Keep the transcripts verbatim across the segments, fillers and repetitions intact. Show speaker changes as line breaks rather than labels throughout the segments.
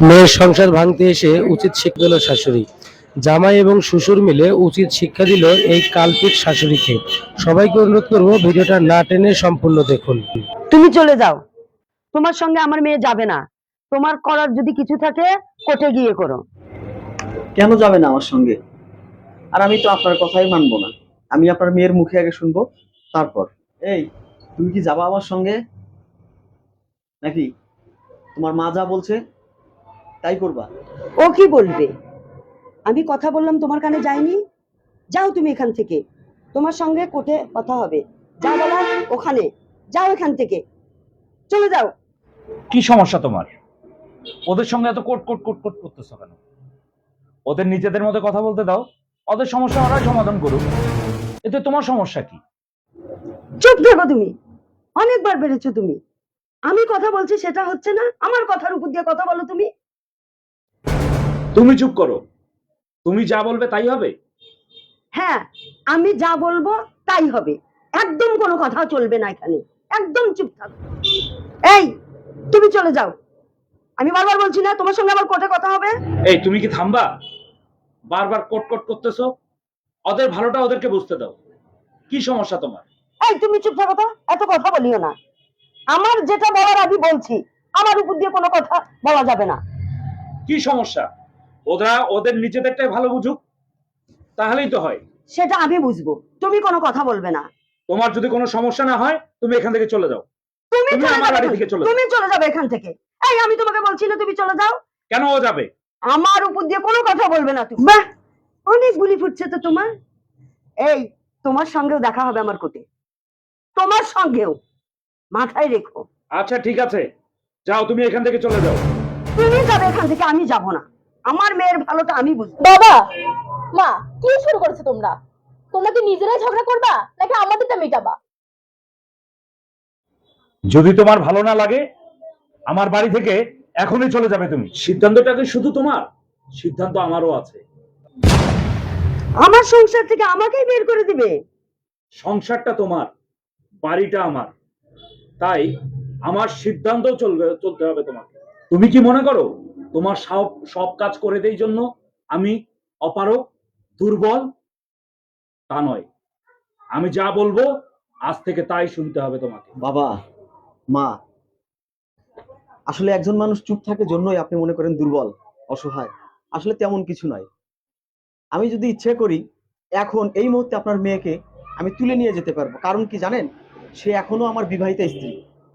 মেয়ের সংসার ভাঙতে এসে উচিত শিক্ষা দিল শাশুড়ি। জামাই এবং শ্বশুর মিলে উচিত শিক্ষা দিল এই কালপিট শাশুড়িকে। সবাইকে অনুরোধ করবো ভিডিওটা না টেনে সম্পূর্ণ দেখুন।
তুমি চলে যাও, তোমার সঙ্গে আমার মেয়ে যাবে না। তোমার করার যদি কিছু থাকে কোর্টে গিয়ে করো।
কেন যাবে না আমার সঙ্গে? আর আমি তো আপনার কথাই মানবো না। আমি আপনার মেয়ের মুখে আগে শুনবো, তারপর। এই, তুমি কি যাবা আমার সঙ্গে, নাকি তোমার মা যা বলছে তাই করবা?
ও কি বলবে? আমি কথা বললাম তোমার কানে যায়নি? যাও তুমি এখান থেকে, তোমার সঙ্গে কোর্টে কথা হবে। যা বলার ওখানে যাও, এখান থেকে চলে যাও।
কি সমস্যা তোমার? ওদের সঙ্গে এত কোট কোট কোট কোট করতেছো কেন? ওদের নিজেদের মধ্যে কথা বলতে দাও, ওদের সমস্যা ওরাই সমাধান করুক। এতে তোমার সমস্যা কি?
চুপ থাকো তুমি, অনেকবার বেড়েছো তুমি। আমি কথা বলছি সেটা হচ্ছে না, আমার কথার উপর দিয়ে কথা বলো তুমি।
তুমি চুপ করো। তুমি যা বলবে তাই হবে।
হ্যাঁ, আমি যা বলবো তাই হবে। একদম কোনো কথা চলবে না এখানে, একদম চুপ থাকো। এই, তুমি চলে যাও। আমি বারবার বলছি না তোমার সঙ্গে আমার কোর্টে কথা হবে?
এই, তুমি কি থামবা? বারবার কোট কোট করতেছো। ওদের ভালোটা ওদেরকে বুঝতে দাও। কি সমস্যা তোমার?
এই, তুমি চুপ থাকো তো, এত কথা বলিও না। আমার যেটা বলার আমি বলছি, আমার উপর দিয়ে কোনো কথা বলা যাবে না।
কি সমস্যা? ওরা ওদের নিজেদেরটাই ভালো বুঝুক, তাহলেই তো হয়।
সেটা আমি বুঝবো, তুমি কোনো কথা বলবে না।
তোমার যদি কোনো সমস্যা না হয় তুমি এখান থেকে চলে যাও।
তুমি
তুমি
চলে
আমার
যাবে
বাড়ি
এখান-
থেকে চলে যাও।
তুমি চলে যাবে এখান থেকে। এই, আমি তোমাকে বলছি না তুমি চলে যাও।
কেন ও যাবে?
আমার উপর দিয়ে কোনো কথা বলবে না তুমি। বাহ, অনেক গুলি ফুটছে তো তোমার। এই, তোমার সঙ্গেও দেখা হবে আমার কোর্টে, তোমার সঙ্গেও, মাথায় রেখো।
আচ্ছা ঠিক আছে, যাও তুমি এখান থেকে চলে যাও।
তুমি যাবে এখান থেকে, আমি যাব না। আমার মেয়ের ভালোটা আমি বুঝবো।
বাবা, মা, কি শুরু করেছো তোমরা? তোমরা কি নিজেরাই ঝগড়া করবা নাকি আমাদেরটা মেটাবা?
যদি তোমার ভালো না লাগে আমার বাড়ি থেকে এখনই চলে যাবে তুমি। সিদ্ধান্তটাকে শুধু তোমার, সিদ্ধান্ত আমারও আছে।
আমার সংসার থেকে আমাকেই বের করে দিবে?
সংসারটা তোমার, বাড়িটা আমার, তাই আমার সিদ্ধান্ত চলবে, চলতে হবে তোমাকে। তুমি কি মনে করো তোমার সব সব কাজ করে দেই জন্য আমি অপারগ, দুর্বল? তা নয়, আমি যা বলবো আজ থেকে তাই শুনতে হবে তোমাকে।
বাবা, মা, আসলে একজন মানুষ চুপ থাকে জন্যই আপনি মনে করেন দুর্বল, অসহায়। আসলে তেমন কিছু নয়। আমি যদি ইচ্ছে করি এখন এই মুহূর্তে আপনার মেয়েকে আমি তুলে নিয়ে যেতে পারবো। কারণ কি জানেন? সে এখনো আমার বিবাহিতা স্ত্রী।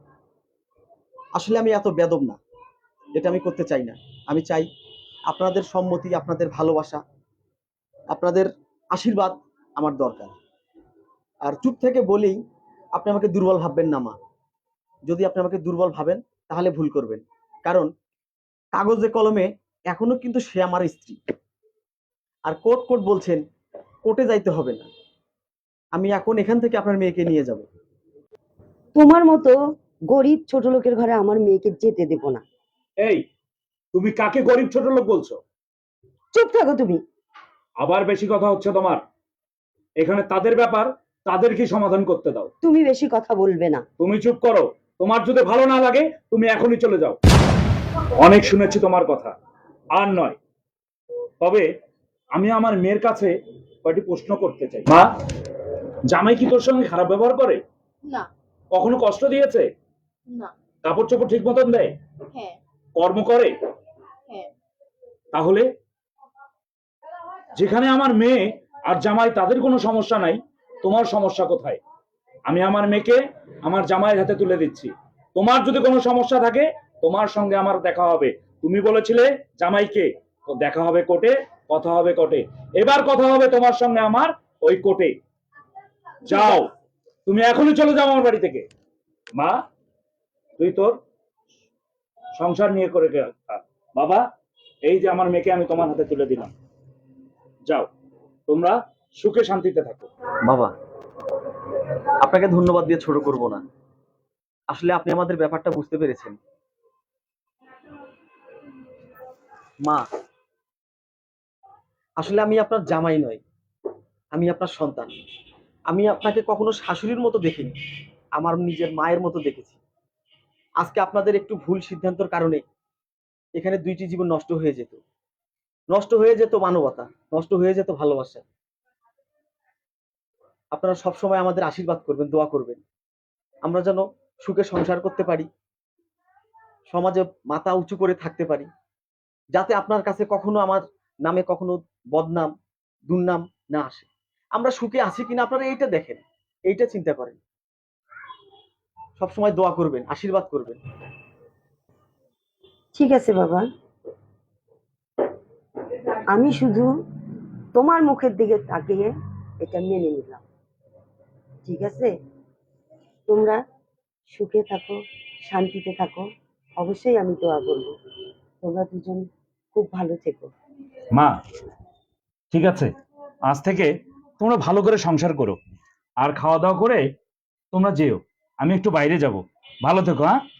আসলে আমি এত বেদব না, এটা আমি করতে চাই না। আমি চাই আপনাদের সম্মতি, আপনাদের ভালোবাসা, আপনাদের আশীর্বাদ আমার দরকার। আর চুপ থেকে বলেই আপনি আমাকে দুর্বল ভাববেন না মা। যদি আপনি আমাকে দুর্বল ভাবেন তাহলে ভুল করবেন। কারণ কাগজে কলমে এখনো কিন্তু সে আমার স্ত্রী। আর কোর্ট কোর্ট বলছেন, কোর্টে যাইতে হবে না। আমি এখন এখান থেকে আপনার মেয়েকে নিয়ে যাব।
তোমার মতো গরিব ছোট লোকের ঘরে আমার মেয়েকে যেতে দেব না।
এই, তুমি কাকে গরিব ছোট লোক বলছো?
চুপ থাকো তুমি।
আবার বেশি কথা হচ্ছে তোমার। এখানে তাদের ব্যাপার, তাদেরকে সমাধান করতে দাও।
তুমি বেশি কথা বলবে না।
তুমি চুপ করো। তোমার যদি ভালো না লাগে তুমি এখনই চলে যাও। অনেক শুনেছি তোমার কথা, আর নয়। তবে আমি আমার মেয়ের কাছে কয়েকটি প্রশ্ন করতে চাই। মা, জামাই কি তোর সঙ্গে খারাপ ব্যবহার করে?
না।
কখনো কষ্ট দিয়েছে?
না।
কাপড় চোপড় ঠিক মতন দেয়?
হ্যাঁ।
কর্ম করে?
হ্যাঁ।
তাহলে যেখানে আমার মেয়ে আর জামাই তাদের কোনো সমস্যা নাই, তোমার সমস্যা কোথায়? আমি আমার মেয়েকে আমার জামাইয়ের হাতে তুলে দিচ্ছি। তোমার যদি কোনো সমস্যা থাকে তোমার সঙ্গে আমার দেখা হবে। তুমি বলেছিলে জামাইকে, তো দেখা হবে কোর্টে, কথা হবে কোর্টে। এবার কথা হবে তোমার সঙ্গে আমার ওই কোর্টে। যাও, তুমি এখনই চলে যাও আমার বাড়ি থেকে। মা, তুই তোর সংসার নিয়ে করে থাক। বাবা, এই যে আমার মেয়েকে আমি তোমার হাতে তুলে দিলাম। যাও, তোমরা সুখে শান্তিতে থাকো।
বাবা, আপনাকে ধন্যবাদ দিয়ে ছোট করব না। আসলে আপনি আমাদের ব্যাপারটা বুঝতে পেরেছেন। মা, আসলে আমি আপনার জামাই নই, আমি আপনার সন্তান। আমি আপনাকে কখনো শাশুড়ির মতো দেখিনি, আমার নিজের মায়ের মতো দেখেছি। আজকে আপনাদের একটু ভুল সিদ্ধান্তের কারণে এখানে দুইটি জীবন নষ্ট হয়ে যেত, নষ্ট হয়ে যেত মানবতা, নষ্ট হয়ে যেত ভালোবাসা। আপনারা সবসময় আমাদের আশীর্বাদ করবেন, দোয়া করবেন, আমরা যেন সুখে সংসার করতে পারি, সমাজে মাথা উঁচু করে থাকতে পারি, যাতে আপনার কাছে কখনো আমার নামে কখনো বদনাম দুর্নাম না আসে। আমরা সুখে আছি কিনা আপনারা এইটা দেখেন, এইটা চিন্তা করেন, সবসময় দোয়া করবেন, আশীর্বাদ করবেন।
ঠিক আছে বাবা, আমি শুধু তোমার মুখের দিকে তাকিয়ে এটা মেনে নিলাম। ঠিক আছে, তোমরা সুখে থাকো, শান্তিতে থাকো, অবশ্যই আমি দোয়া করবো তোমরা দুজন খুব ভালো থেকো।
মা ঠিক আছে, আজ থেকে তোমরা ভালো করে সংসার করো, আর খাওয়া দাওয়া করে তোমরা যেও, আমি একটু বাইরে যাব। ভালো থেকো। হ্যাঁ।